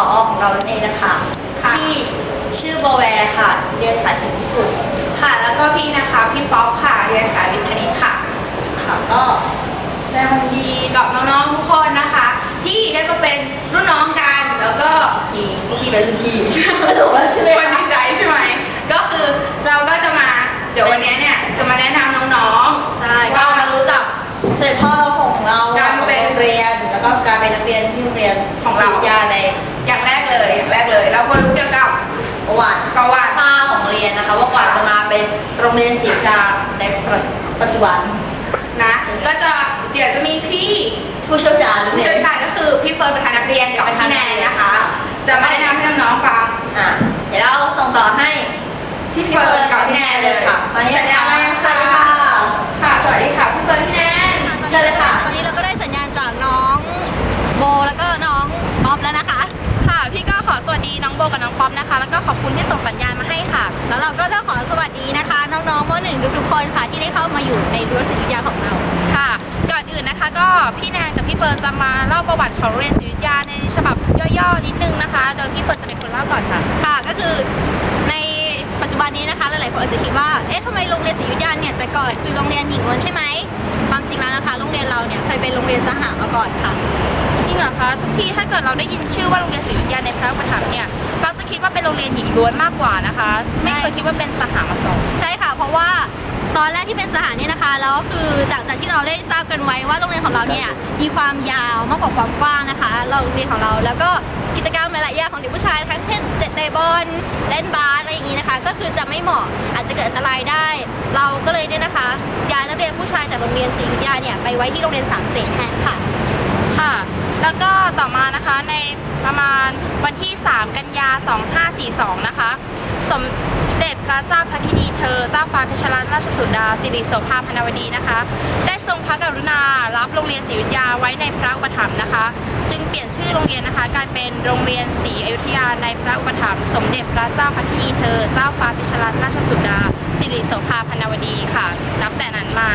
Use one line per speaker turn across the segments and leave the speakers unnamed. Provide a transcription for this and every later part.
ของเรานั่นเองนะคะที่ชื่อโบแวร์ค่ะเรียนสายศิลป์ญี่ปุ่น
ค่ะแล้วก็พี่นะคะพี่ป๊อปค่ะเรียนสายวิทย์คณิตค่ะ
ค่ะก็แสดงความยินดี
กับน้องๆทุกคนนะคะ ที่ได้มาเป็นรุ่นน้องกันแล้วก็
พี่เป็นรุ่นพี่ไม่ถูกแล้วใช่ไหม
คนดีใจใช่ไหมก็คือเราก็จะมาเดี๋ยววันนี้เนี่ยจะมาแนะนำน้อง
ๆใช่ก็มารู้จักเสด็จพ่อของเรา
การเป็น
เรียนแล้วก็การเป็นนักเรียนที่โรงเรียน
ของเรา
ใน
อย่างแรกเลยเราก็รู้เกี่ยวกับ
ประวัติของเรียนนะคะว่ากว่าจะมาเป็นโรงเรียนศรีดาในปัจจุบัน
นะก็จะเดี๋ยวจะมีพี่
ผู้เชี่ยวชาญ
ก็คือพี่เฟิร์นประธานนักเรียนกับพี่แนนนะคะจะมาแนะนำให้น้องๆฟัง
เดี๋ยวเราส่งต่อให้พี่เฟิร์นกับพี่แนนเลยค่ะตอนนี้สัญญาณอะไรสวัสดีค่ะ
สวัสดีค่ะพี่เฟิร์นพี่แนน
เชิญเลยค่ะตอนนี้เราก็ได้สัญญาณจากน้องโบแล้วก็น้องป๊อปแล้วนะคะ
ค่ะพี่ก็ขอสวัสดีน้องโบกับน้องป๊อปนะคะแล้วก็ขอบคุณที่ส่งสัญญาณมาให้ค่ะ
แล้วเราก็จะขอสวัสดีนะคะน้องๆม.1 ทุกคนค่ะที่ได้เข้ามาอยู่ในรั้วศิริวิทยาของเรา
ค่ะก่อนอื่นนะคะก็พี่แนนกับพี่เฟิร์นจะมาเล่าประวัติของโรงเรียนศิริวิทยาในฉบับย่อๆนิดนึงนะคะโดยพี่เฟิร์นจะเป็นคนเล่าก่อนค่ะ
ค่ะก็คือในปัจจุบันนี้นะคะหลายๆคนอาจจะคิดว่าเอ๊ะทำไมโรงเรียนศิริวิทยาเนี่ยแต่ก่อนคือโรงเรียนหญิงล้วนใช่ไหมความจริงแล้วนะคะโรงเรียนเราเนี่ยเคยเป็นโรงเรียนสหมาก่อนค่ะ
จริงเหรอคะทุกที่ถ้าเกิดเราได้ยินชื่อว่าโรงเรียนศิริวิทยาในพระอุปถัมภ์เนี่ยเราจะคิดว่าเป็นโรงเรียนหญิงล้วนมากกว่านะคะไม่เคยคิดว่าเป็นสหมาก่อน
ใช่ค่ะเพราะว่าตอนแรกที่เป็นสหเนี่ยนะคะแล้วก็คือจากที่เราได้ทราบกันไว้ว่าโรงเรียนของเราเนี่ยมีความยาวมากกว่าความกว้างนะคะโรงเรียนของเราแล้วก็กิจกรรมหลายๆอย่างของเด็กผู้ชายทั้งเช่นเตะบอลเล่นบาสอะไรอย่างนี้นะคะก็คือจะไม่เหมาะอาจจะเกิดอันตรายได้เราก็เลยเนี่ยนะคะย้ายนักเรียนผู้ชายจากโรงเรียนศรีวิทยาเนี่ยไปไว้ที่โรงเรียนสามเสนแทนค่ะ
ค่ะแล้วก็ต่อมานะคะในประมาณวันที่3 กันยา 2542นะคะสมเด็จพระเจ้าพระธินีเธอเจ้าฟ้าเพชรรัตนราชสุดาสิริโสภาพนวดีนะคะได้ทรงพระกรุณารับโรงเรียนศรีวิทยาไว้ในพระอุปถัมภ์นะคะจึงเปลี่ยนชื่อโรงเรียนนะคะกลายเป็นโรงเรียนศรีอยุธยาในพระอุปถัมภ์สมเด็จพระเจ้าพระธินีเธอเจ้าฟ้าเพชรรัตนราชสุดาสิริโสภาพนวดีค่ะนับแต่นั้นมา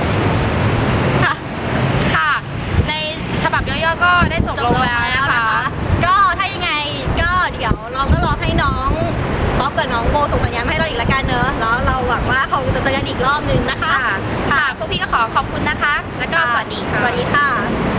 ค่ะในฉบับย่อๆก็ได้จบลงแล้วนะคะ
ก็ถ้ายังไงก็เดี๋ยวเราก็รอให้น้องป๊อปกับน้องโบส่งสัญญาณให้เราอีกละกันเนอะแล้วเราหวังว่าเขาจะสัญญาณอีกรอบนึงนะคะ
ค่ะพวกพี่ก็ขอขอบคุณนะคะแล้วก็สวัสดีค่ะ
สวัสดีค่ะ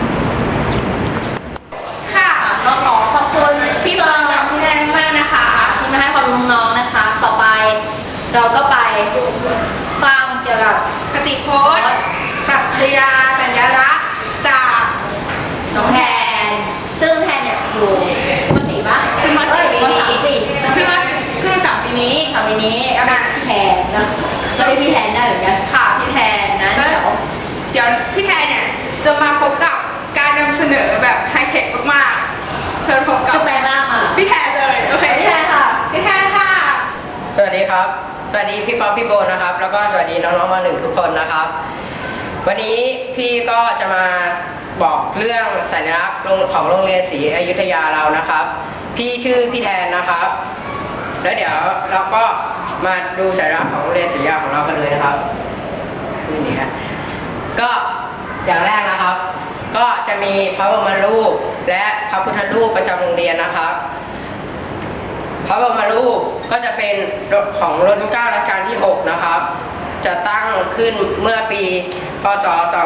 ค่ะ
ก็ขอขอบคุณ
พี่เฟิร์นกับพี่แนนมากนะคะ
ที่มาให้ความรู้น้องๆนะคะต่อไปเราก็ไปฟังเกี่ยวกับ
คติพจน์ปรัชญาสัญลักษณ์จาก
น้องแทนซึ่งแทนเนี่ยอยู่ม.4 ป่ะ
ขึ้นม.3
ขึ้นม.3
ปีนี้
ก็เป็นพี่แทนนะก็เรียกพี่แทนได้เหมือนกัน
ค่ะ
พี่แทนนะ
เดี๋ยวพี่แทนเนี่ยจะมาพบกับการนำเสนอแบบไฮเทคมากๆเชิญพบกับ
แปลมากค่ะ
พี่แทนเลยโอเค
พี่แทนค่ะ
พี่แทนค่ะ
สวัสดีครับสวัสดีพี่ป๊อปพี่โบนะครับแล้วก็สวัสดีน้องๆม.1 ทุกคนนะครับวันนี้พี่ก็จะมาบอกเรื่องสัญลักษณ์ของโรงเรียนศรีอยุธยาเรานะครับพี่ชื่อพี่แทนนะครับแล้วเดี๋ยวเราก็มาดูสัญลักษณ์ของโรงเรียนศรีอยุธยาของเรากันเลยนะครับนี่ฮะก็อย่างแรกนะครับก็จะมีพระบรมรูปและพระพุทธรูปประจำโรงเรียนนะครับพระบรมรูปก็จะเป็นของรัชกาลที่6นะครับจะตั้งขึ้นเมื่อปีพศ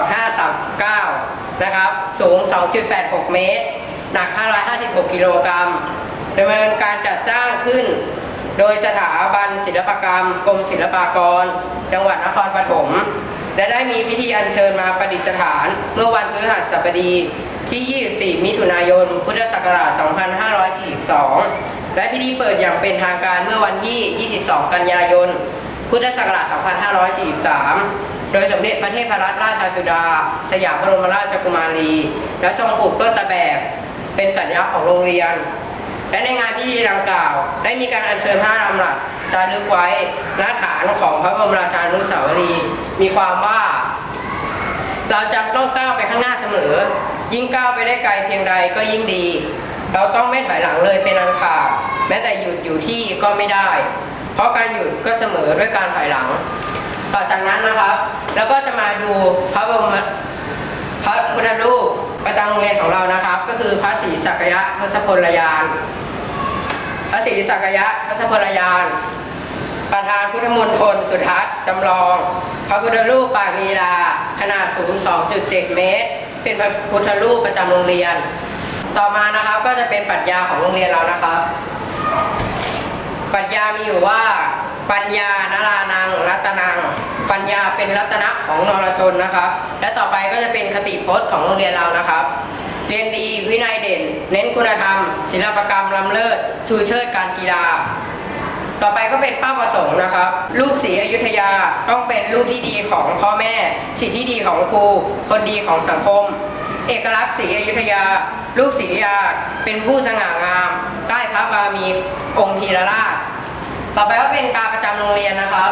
2539นะครับสูง 2.86 เมตรหนัก556 กิโลกรัมดำเนินการจัดสร้างขึ้นโดยสถาบันศิลปกรรมกรมศิลปากรจังหวัดนครปฐมและได้มีพิธีอัญเชิญมาประดิษฐานเมื่อวันพฤหัสบดีที่ 24 มิถุนายน พุทธศักราช 2542 และพิธีเปิดอย่างเป็นทางการเมื่อวันที่ 22 กันยายน พุทธศักราช 2543 โดยสมเด็จพระเทพรัตนราชสุดาสยามบรมราชกุมารีและทรงปลูกต้นตะแบกเป็นสัญลักษณ์ของโรงเรียนและในงานพิธีดังกล่าวได้มีการอัญเชิญพระลำหลักจารึกไว้ณฐานของพระบรมราชานุสาวรีย์มีความว่าเราจะต้องก้าวไปข้างหน้าเสมอยิ่งก้าวไปได้ไกลเพียงใดก็ยิ่งดีเราต้องไม่ถอยหลังเลยเป็นอันขาดแม้แต่หยุดอยู่ที่ก็ไม่ได้เพราะการหยุดก็เสมอด้วยการถอยหลังต่อจากนั้นนะครับแล้วก็จะมาดูพระพุทธรูปประจำโรงเรียนของเรานะครับก็คือพระศรีสักยะทศพลยานพระศรีสักยะทศพลยาน ประธานพุทธมณฑลสุทัศน์จำลอง พระพุทธรูปปางลีลาขนาดสูง 2.7 เมตร เป็นพระพุทธรูปประจำโรงเรียน ต่อมานะครับก็จะเป็นปรัชญาของโรงเรียนเรานะครับ ปรัชญามีอยู่ว่า ปัญญานรานังรัตนัง ปัญญาเป็นรัตนะของนรชนนะครับ และต่อไปก็จะเป็นคติพจน์ของโรงเรียนเรานะครับ เรียนดีวินัยเด่น เน้นคุณธรรม ศิลปกรรมล้ำเลิศชูเชิดการกีฬา ต่อไปก็เป็นเป้าประสงค์นะครับ ลูกศรีอยุธยาต้องเป็นลูกที่ดีของพ่อแม่ศิษย์ที่ดีของครูคนดีของสังคม เอกลักษณ์ศรีอยุธยา ลูกศรีอยุธยาเป็นผู้สง่างามใต้พระบารมีองค์ธีรราช ต่อไปก็เป็นการประจำโรงเรียนนะครับ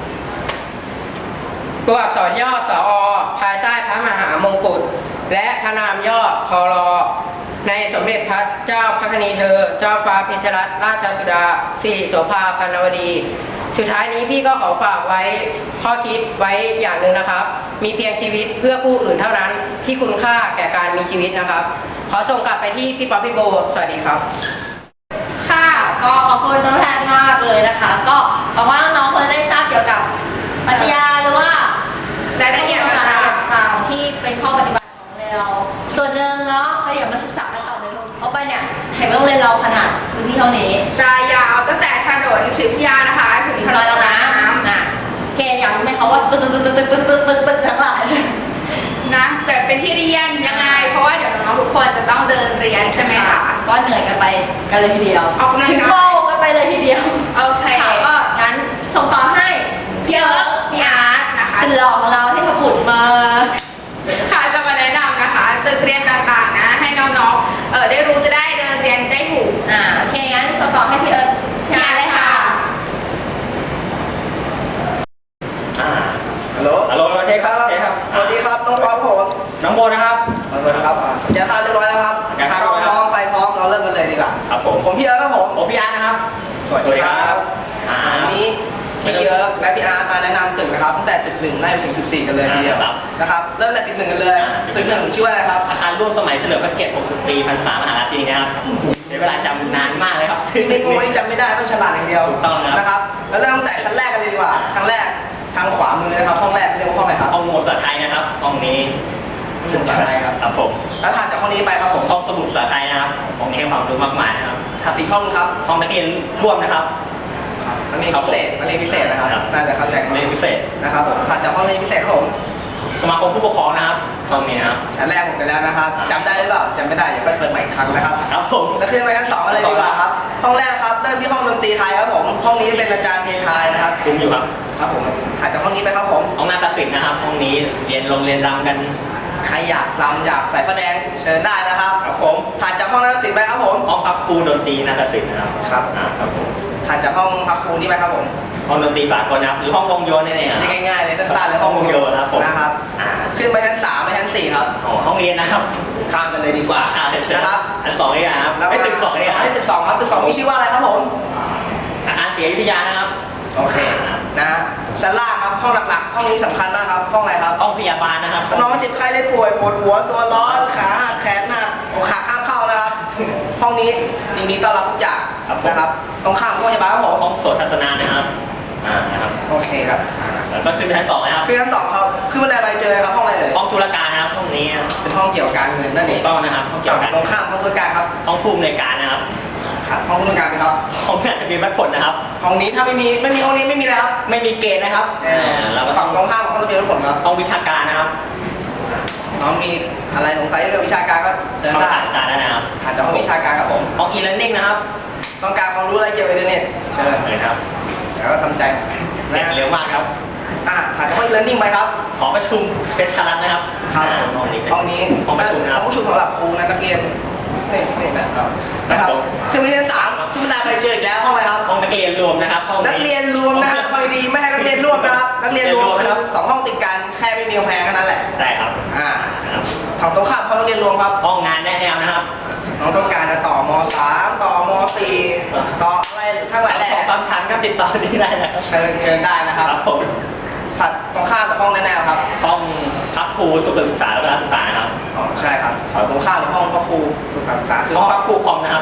ตัวอักษรย่อสอภายใต้พระมหามงกุฎและพระนามย่อพลในสมเด็จพระเจ้าพระคณีเธอ เจ้าฟ้าเพชรรัตนราชสุดาสิริโสภาพันวดี สุดท้ายนี้พี่ก็ขอฝากไว้ข้อคิดไว้อย่างหนึ่งนะครับ มีเพียงชีวิตเพื่อผู้อื่นเท่านั้นที่คุณค่าแก่การมีชีวิตนะครับ ขอส่งกลับไปที่พี่ป๊อปพี่โบสวัสดีครับ
ค่ะก็ขอบคุณน้องแทนมากเลยนะคะ ก็หวังว่าน้องๆคงจะได้ทราบเกี่ยวกับปรัชญาหรือว่าร
ายละเอียดต่าง
ๆที่เป็นข้อปฏิบัติของเราส่วนหนึ่งเนาะก็อย่ามาศึกษากันต่อเลยลูกเอาไปเนี่ยเห็นว่าโรงเรียนเราขนาดพื้นที่เท่านี้
จะยาวตั้งแต่ถนนศรีพิยานะคะถึง
ถึง
ถ
ซ
น
อย
น
เรา
น้
นะเคอยากรู้ไหมคะว่าตึ๊ดตึ๊ดตึ๊ดตึ๊ดตึ๊ดตึ๊ดตึ๊ดทั้งหลาย
ำนะแต่เป็นที่เรียนยังไง เพราะว่าเดี๋ยวน้องๆทุกคนจะต้องเดินเรียนใช่ไหมคะ
ก็เหนื่อยกันไปกันเลยทีเดียว
ออกกำลังกาย
ถึงโลกกันไปเลยทีเดียว
โอเค
ค่ะก็งั้นส่งต่อให้พี่เอิร์กพี่อาร์ต
นะคะ
สุดหล่อของเราที่มาผุดมา
ค่ะจะมาแนะนำนะคะตึกเรียนต่างๆนะให้น้องๆได้รู้จะได้เดินเรียนได้ถูก
โอเคงั้นส่งต่อให้พี่เอิร์กพี่อาร์ตเลยค่ะ
ฮัลโหล
ฮัลโหลโอเคครับโอเคครับ
สวัสดีครับน้องป๊อปผม
น้องโบนะครับ
สวัสดีครับแกพาเรียบร้อยแล้วครับ
แกพาเรียบร้อยแล้ว
พร้อมไปพร้อมเราเริ่มกันเลยดีกว่า
ครับผม
ผมพี่เอิร์ธครับผม
ผมพี่อาร์ตนะครับ
สวัสดีครับ
อ่า
วันนี้พี่เอิร์ธและพี่อาร์ตมาแนะนำตึกนะครับตั้งแต่ตึกหนึ่งไล่ไปถึงตึกสี่กันเลยทีเดียว
ครับ
นะครับเริ่มจากตึกหนึ่งกันเลย ตึกหนึ่งชื่อว่าอะไรครับ
อาคารร่วมสมัยเฉลิมพระเกียรติ 60 ปีพรรษามหาราชินีนะครับใช้เวลาจำนานมากเลยครับ
ที่ไม่โง่นี่จำไม่ได้ต้องฉลาดอย่างเดียว
ถูกต้องครับ
นะครับแล้วเริ่มตั้งแต่ชั้นแรกกันเลยดีกว่าชั้นแรกทางขวามือนะครับห้องแรกเรียกว่าห้องอะไรครับ
ห้องหมวดภาษาไทยนะครับห้องนี้
หมวดภาษาไทยครับ
ครับผม
แล้วถัดจากห้องนี้ไปครับผม
ห้องสมุดภาษาไทยนะครับห้องนี้ให้ความรู้มากมายนะครับ
ถัดอีกห้องนึงครับ
ห้องนักเรียนร่วมนะครับ
มันมีพิเศษนะครับ
ครับ
น่าจะเข้าใจ
เรียนพิเศษ
นะครับผมถัดจากห้องเรียนพิเศษครับผม
สมาคมผู้ปกครองนะครับห้องนี้นะครับ
ชั้นแรกผมไปแล้วนะครับจำได้หรือเปล่าจำไม่ได้อย่าไปเปิดใหม่อีกครั้งนะครับ
ครับผม
แล้วขึ้นไปชั้นสองกันเลยดีกว่าครับห้องแรกครับเริ่มที่ห้องดนตรีไทยครับผมห้องนี้เป็นอาจารย์เพลงไทยนะครับ
คุ้มอยู่ครับ
ครับผมถัดจากห้องนี้ไปครับผม
ห้องนาฏศิลป์นะครับ ห้องนี้เรียนรำกัน
ใครอยากรำอยากใส่ผ้าแดงเชิญได้นะครับ
ครับผม
ถัดจากห้องนักศิลป์ไปครับผม
ห้องพักครูดนตรีนาฏศิลป์นะครับ
ครับ
ครับผม
ถัดจากห้องพักครูนี่ไปครับผม
ห้องดนตรีสากลนะครับหรือห้องวงโยนนี่เองครับ
นี่ง่ายๆเลยสั้นๆเลย
ห้องวงโยนนะครับผม
นะครับ
อ่า
ขึ้นไปชั้น3ไปชั้น4ครับ
อ๋อห้องเรียนนะครับ
ข้ามกันเลยดีกว่า
นะครับ อันสองนี่ครับ
แล้ว
ไม่ตึกสองนี่ครับ
ไม่ตึกสองครับตึกสองมีชื่อว่าอะไรครับผม
อาคารศรีอยุธยานะครับ
โอเคนะฮะชั้นล่างครับห้องหลักๆห้องนี้สำคัญมากครับห้องอะไรครับ
ห้องพยาบาลนะครับ
น้องเจ็บไข้ได้ป่วยปวดหัวตัวร้อนขาหักแขนหักอกหักห้ามเข้านะครับ ห้องนี้ยินดีต้อนรับทุกอย่างนะครับตรงข้ามห้องพยาบาลครับผม
ห้องโสตทัศนานะครับนะครับ
โอเคครับ
แล้วก็ขึ้นไปชั้นสองนะครับ
คือชั้นสองครับขึ้นบันไดไปเจอครับห้องอะไรเอ่ย
ห้องธุรการนะครับห้องนี้
เป็นห้องเกี่ยวกับการเงินนั่นเอ
ถู
ง
กต้องนะครับห้องเกี่ยวกับ
ตรงข้ามห้องธุรการครับ
ห้องผู้อำนวยการนะครับ
ครับห้องธุรการครับ
ห้องงานทะเบียนวัดผลนะครับ
ห้องนี้ถ้าไม่มีห้องนี้ไม่มีเลยครับ
ไม่มีเกณฑ์นะครับแล้วก็
ฝั่งตรงข้ามของห้องระเบียงผลครับ
ห้องวิชาการนะครับ
น้องมีอะไรสงสัยเกี่ยวกับวิชาการก็เชิญ
ห้อง
ได้
ศาสตราจารย์นะครับ
อาจจะห้องวิชาการครับผม
ห้อง e-learning นะครับ
ต้องการความรู้อะไรเกี่ยวกับอินเทอร์เน็ตเชิญ
เลยครับ
แล้วก็ทำใจ
เรียนเร็วมากครับ
ถัดจากห้อง e-learning ไปครับ
หอประชุมเป็นชารัตนะครับ
ครับ
ห้องนี้เป็น
ห้องนี้
ห้องประชุมนะครับ
ห้องประชุมสำหรับครูและนักเรียนนี่นะครับนะครับขึ้นไปชั้น3ขึ้นบันไดไปเจออีกแล้วห้องอะไรครับ
ห้องนักเรียนรวมนะครับห้อง
นักเรียนรวมนะครับฟังดีไม่ให้นักเรียนร่วมนะครับ นักเรียนรวมนะครับสองห้องติดกันแค่ไม่มีกำแพงแค่นั้นแหละ
ใช่ครับ
ครับฝั่งตรงข้ามห้องนักเรียนรวมครับ
ห้องงานแนะแนวนะครับ
น้องต้องการจะต่อม3ต่อม4ต่ออะไรทั้งหลายแหละ
ของบางชั้นก็ติดต่อที่ได้นะครับ
เชิญได้นะครับ
ครับผม
ถัดตรงข้ามกับห้องแนวๆครับ
ห้องพักครูสุขศึกษาและการศึกษานะครับ
อ๋อใช่ครับตรงข้ามกับห้องพระครูสุขศึกษาคือ
ห้องพักครูคอมนะครับ
ค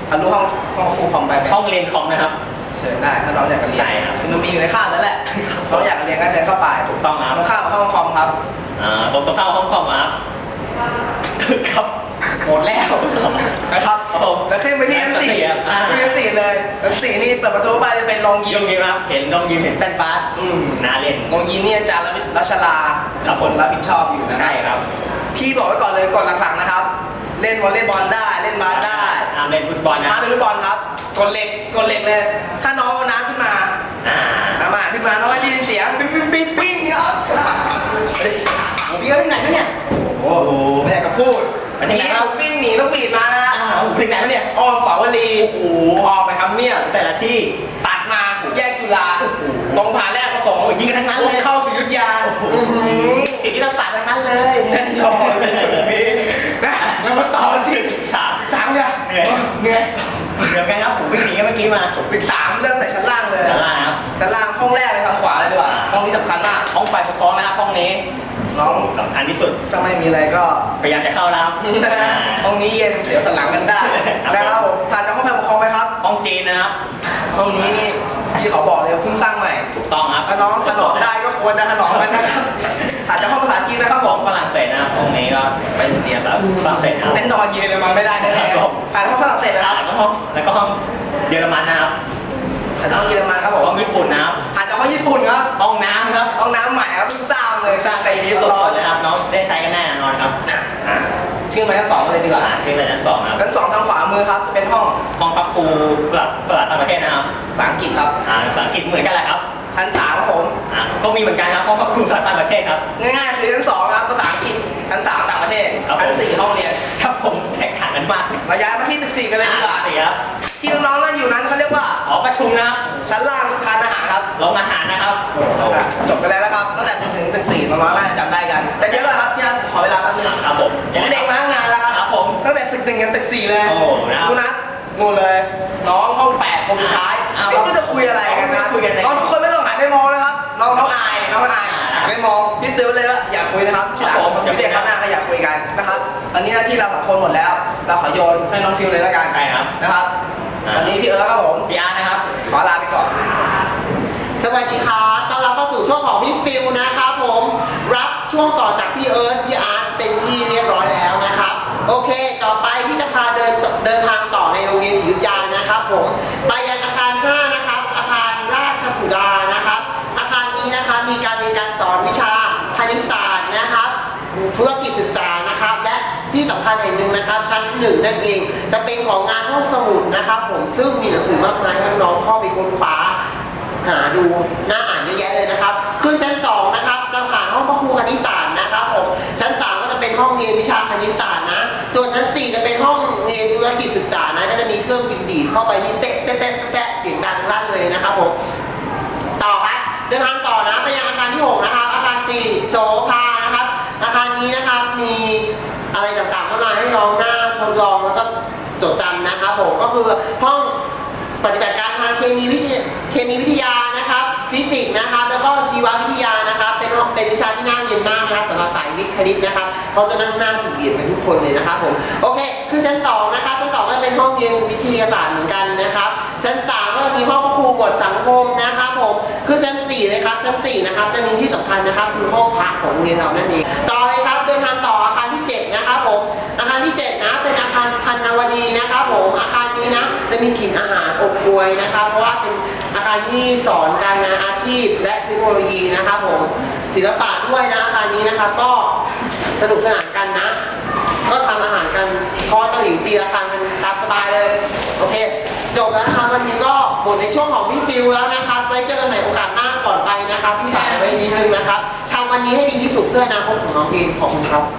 ทะลุห้องครูคอมไปไหม
ห้องเรียนคอมนะครับ
เชิญได้ถ้าน้องอยากจะเรียน
ใช่ครับ
คือมันมีอยู่ในคาบนั่นแหละน้องอยากจะเรียนก็เดินเข้าไป
ถูกต้องครับ
ตรงข้ามกับห้องคอมครับ
ตรงเข้าห้องคอมครับครับ
หมดแล้วนะครับ
ครับผม
แล้วขึ้นไปที่ชั้น 4
อ่า
ที่ชั้น 4เลยชั้น 4นี่เปิดประตูไปจะเป็นโรงยิ
ยิ
ม
มครับเห็นน้องยิมเห็น
แป้นบาส
น่าเล่น
โรงยิมนี่อาจารย์รัชรา
ครับผม
รับผิดชอบอยู่นะ
ใช่ครับ
พี่บอกไว้ก่อนเลยก่อนหลังๆนะครับ เล่นวอลเลย์บอลได้เล่นบาสได้
เล่นฟุตบอลนะ
ถ้าเล่นฟุตบอลครับกดเหล็กเลย ถ้าน้องเอาน้ำขึ้นมา
อ่า
มาขึ้นมาน้องได้ยินเสียงปิ๊งปิ๊งปิ๊งปิ๊งครับเฮ้ยพี่ก็ไปไหนวะเนี่ย
โอ้โห
ไม่อยากจะพูด
ไปที่ไหนครับ
วิ่งหนีต้องปีดมานะฮะ
ถึงไหนแล้วเนี่ย
อ้อมสาวรี
โอ้โห
ออกไปทำเนียบ
แต่ละที่
ตัดมาแยกจุฬาตรงผ่านแรกประสงค์
ยิงกันทั้งนั้นเลย
เข้าศิริยุทธยา
สิ่งที่เราตัดทั้งนั้นเลย
แน่นอนเลยจุดนี้นะแล้วมาต่อที่
สาม
เนี่ย
เหนื่อย
เหนื่อย
เดี๋ยวกันครับผมวิ่งหนีกันเมื่อกี้มา
ปิด3เริ่มแต่ชั้นล่างเลย
ชั้นล่างครับ
ชั้นล่างห้องแรกเลยทางขวาเลยดีกว่าห้องนี้สำคัญมาก
ห้องไฟปกครองนะครับห้องนี้
น้อง
สำคัญที่สุด
ถ้าไม่มีอะไรก็
พยายามจะเข้าแล้วครับ
ห้องนี้เย็นเสียวสันหลังกันได้นะครับผมผ่านจากห้องแพทย์ปกครองไหมครับ
ห้องจีนนะครับ
ห้องนี้นี่ที่เขาบอกเลยเพิ่งสร้างใหม่
ถูกต้องครับ
ถ้าน้องถนอมได้ก็ควรจะถนอมมันนะครับผ่านจากห้องภาษาจีนนะครับผ
ห้อ
ม
งฝรั่งเศสนะครับห้องนี้ก็ไปเรียนแบบฝรั่งเศสนะครับ
เต้นนอนเย็นเลยมันไม่ได้แน่ๆผ่านห้องฝรั่งเศสนะครับ
แล้วก็ห้องเยอรมันนะครับ
ผ่านห้องเยอรมันครับผม
ห้องญี่ปุ่นนะครับ
ผ่านจากห้องญี่ปุ่นครับ
ห้องน้ำครับ
ห้องน้ำใหม่ครับเพิ่งสร้างเลยสร้างไป
ที่
นี้
สุ
ร้อ
ด
น
เลยครับน้องได้ใช้กันแน่นอนครับอ่า
ชื่อมาทั้งสองเลยดีกว่า
ชื่อเลยชั้นสองนะครับ
ชั้น2ทางขวามือครับจะเป็นห้อง
ห้องพักครูเปิดต่างประเทศนะครับ
ภาษาอังกฤษครับ
ภาษาอังกฤษเหมือนกันแหละครับ
ชั้น3ครับผม
ก็มีเหมือนกันครับห้องพักครูภาษาต่างประเทศครับ
ง่ายๆคือชั้น2ครับภาษาอังกฤษชั้น3ต่างประเทศ
ครับผม
ชั้น4ห้องเรียน
ครับผมแตกต่างกันมาก
เราย้ายมาที่14กันเลยดีกว่า
สี่ครับ
ที่น้องๆนั่งอยู่นั้นเขาเรียกว่า
หอประชุมนะครับ
ชั้นล่างทานอาหารครับ
โรงอาหารนะครับ
จบกันแล้วนะครับตั้งแต่ถึงตึก4น้องๆน่าจะจำได้กันแต่เดี๋ยวก่อนครับที่ขอเวลาแป๊บนึง
ครับผม
ผมเด็กมาตั้งนานแล้วครับ
ครับผม
ตั้งแต่ตึก1ยันตึก4เลย
โอ้นะครับ
ดูนะงูเลย น้องห้อง8คนสุดท้าย
อ้าว
ไม่รู้จะคุยอะไรกันนะ
คุยกันอะไร
น้องทุกคนไม่ต้องหันไปมองนะครับน้องอายน้องอายหันไปมองพี่ซื้อเลยว่าอยากคุยนะครับที่หลังผมพี่เด็กข้างหน้าก็อยากคุยกันนะครับตอนนี้หน้าที่เรา2คนหมดแล้ว เราขอโยนให้น้องฟิวเลยแล้วกัน
ใช่ครับ
นะครับตอนนี้พี่เอิร์ธครับผม
พี่อาร์ตนะครับ
ขอลาไปก่อน
สวัสดีครับต้อนรับเข้าสู่ช่วงของพี่ฟิวนะครับผมรับช่วงต่อจากพี่เอิร์ธพี่อาร์ตเป็นที่เรียบร้อยแล้วนะครับ โอเค ต่อไปที่จะพาเดินทางต่อในโรงเรียนศรีอยุธยานะครับผมไปยังอาคาร5นะครับอาคารราชสุดานะครับ อาคารนี้นะครับมีการเรียนการสอนวิชาคณิตศาสตร์นะครับธุรกิจศึกษานะครับ และที่สำคัญอย่างหนึ่งนะครับ ชั้น1นั่นเองจะเป็นของงานห้องสมุดนะครับผมซึ่งมีหนังสือมากมายให้น้องๆเข้าไปค้นคว้าหาดูน่าอ่านเยอะแยะเลยนะครับขึ้นชั้น2นะครับจะผ่านห้องพระครูคณิตศาสตร์นะครับผมชั้น3ก็จะเป็นห้องเรียนวิชาคณิตศาสตร์นะส่วนชั้น4จะเป็นห้องเรียนธุรกิจศึกษานะก็จะมีเครื่องดีดเข้าไปนี่เตะเตะเตะเตะเสียงดังลั่นเลยนะครับผมต่อครับเดินทางต่อนะไปยังอาคารที่6นะครับอาคาร4โสภานะครับอาคารนี้นะครับมีอะไรต่างๆเข้ามาให้น้องหน้าทดลองแล้วก็จดจำนะครับผมก็คือห้องปฏิบัติการทางเคมีวิทยานะครับฟิสิกส์นะครับแล้วก็ชีววิทยานะครับเป็นวิชาที่น่าเรียนมากนะครับสำหรับสายวิทย์คณิตนะครับเขาจะนั่งหน้าสี่เหลี่ยมกันทุกคนเลยนะครับผมโอเคขึ้นชั้น2นะครับชั้น2ก็เป็นห้องเรียนวิทยาศาสตร์เหมือนกันนะครับชั้น3ก็มีห้องครูบทสังคมนะครับผมขึ้นชั้น4เลยครับชั้น4นะครับจะมีที่สำคัญนะครับคือห้องพักของโรงเรียนเรานั่นเองต่อเลยครับเดินทางต่ออาคารที่7นะครับผมอาคารที่7นะเป็นอาคารพันนวดีนะครับผมอาคารนี้นะจะมีกลิ่นอาหารอบอวลนะครับเพราะว่าเป็นอาคารที่สอนการงานอาชีพและเทคโนโลยีนะครับผมศิลปะด้วยนะอาคารนี้นะครับก็สนุกสนานกันนะก็ทำอาหารกันทอดตะหลิวตีละครั้งกันตามสบายเลยโอเคจบแล้วนะครับวันนี้ก็หมดในช่วงของพี่ฟิวแล้วนะครับไว้เจอกันใหม่โอกาสหน้าก่อนไปนะครับพี่ฝากไว้นิดนึงนะครับทำวันนี้ให้ดีที่สุดเพื่ออนาคตของน้องเองขอบคุณครับ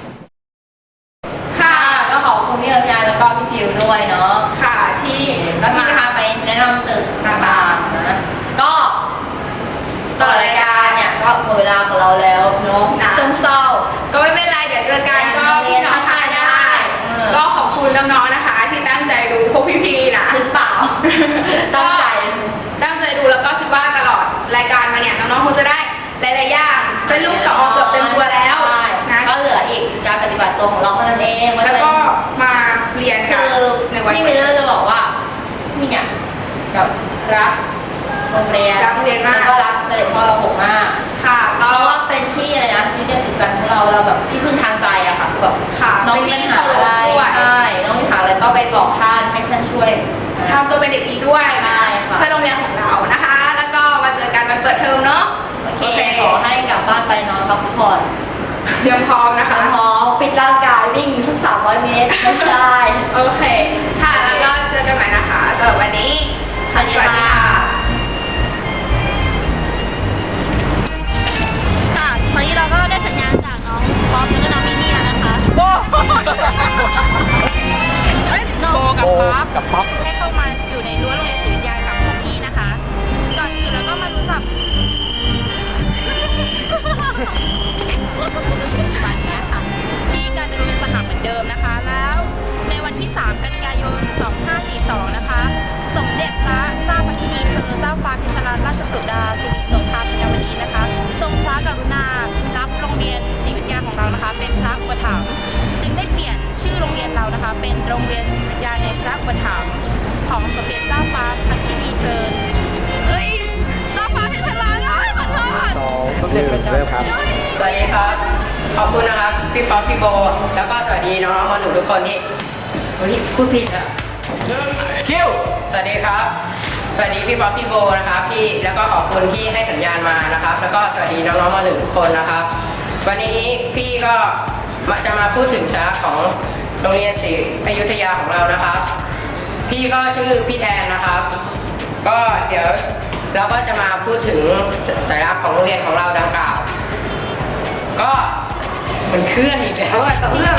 ค่ะก็ขอบคุณพี่เอิร์ธยายแล้วก็พี่พิวด้วยเนาะค่ะที่ก็ที่พาไปแนะนำตึกต่างๆนะก็ตลอดรายการเนี่ยก็หมดเวลาของเราแล้วเนาะซึมเศร้า
ก็ไม่เป็นไรเดี๋ยวเจอกันก็พี่น้องทานได้ ก็ขอบคุณน้องๆนะคะ ที่ตั้งใจดูพวกพี่ๆนะ
หรือเปล่า ตั้งใจ
ตั้งใจดูแล้วก็คิดว่าตลอดรายการมาเนี่ยน้องๆคงจะได้หลายๆอย่างเป็นลูกสองเกือบเต็มตัวแล้ว
ใช่
นะ
ก็เหลืออีกการปฏิบัติตัวของเราเท่านั้นเอง
แล้วก็มาเรียนกัน
คือ
ในวัน
พี่วิลเลอร์จะบอกว่าบอกท่านให้ท่านช่วย
ทำตัวเป็นเด็กดีด้วย
ใช่ค่ะ
เพื่อโรงเรียนของเรานะคะ แล้วก็มาเจอกันวันเปิดเทอมเนาะ
โอเคขอให้กลับบ้านไปนอนพักผ่อน
เตรียมพร้อมนะคะ
พร้อมปิดร่างกายวิ่งสัก300 เมตรไม่ใช่
โอเค ค่ะ แล้วก็เจอกันใหม่นะคะสำหรับวันนี้
สวัสดีค่ะ ค่ะตอนนี้เราก็ได้สัญญาณจากน้องป๊อปแล้วก็น้องมิมี่แล้วนะคะโบน้อง
กับป๊อป
ได้เข้ามาอยู่ในรั้วโรงเรียนศรีวิทยากับพวกพี่นะคะ ก่อนอื่นเราก็มารู้จัก
จนถึงปัจจุบันนี้ค่ะ
ที่การเป็นโรงเรียนสหเหมือนเดิมนะคะ แล้วในวันที่ 3 กันยายน 2542 นะคะ สมเด็จพระเจ้าพระธินีเธอเจ้าฟ้าพิชรราชสุดาสิริโสภาปัญญาวดีนะคะ ทรงพระกรุณารับโรงเรียนศรีวิทยาของเรานะคะ เป็นพระอุปถัมภ์จึงได้เปลี่ยนชื่อโรงเรียนเรานะคะ เป็นโรงเรียนศรีวิทยาในพระอุปถัมภ์ของสมเด็จเจ้าฟ้าพระธินีเธอเฮ้ยเจ้าฟ้าพิชรราชขอโทษ
สมเด็จพระเจ้าครับ
สวัสดีครับ ขอบคุณนะครับ พี่ป๊อปพี่โบ แล้วก็สวัสดีน้องๆมาหนูทุกคนที่วันนี้พูดผิดอ่ะคิวสวัสดีครับ สวัสดีพี่ป๊อปพี่โบนะครับพี่แล้วก็ขอบคุณที่ให้สัญญาณมานะครับ แล้วก็สวัสดีน้องๆมาหนูทุกคนนะครับ วันนี้พี่ก็จะมาพูดถึงสาระของโรงเรียนศรีอยุธยาของเรานะครับ พี่ก็ชื่อพี่แทนนะครับ ก็เดี๋ยวเราก็จะมาพูดถึงสัญลักษณ์ของโรงเรียนของเราดังกล่าว ก็มันเคลื่อนอีกแล้วอะกับเรื่อง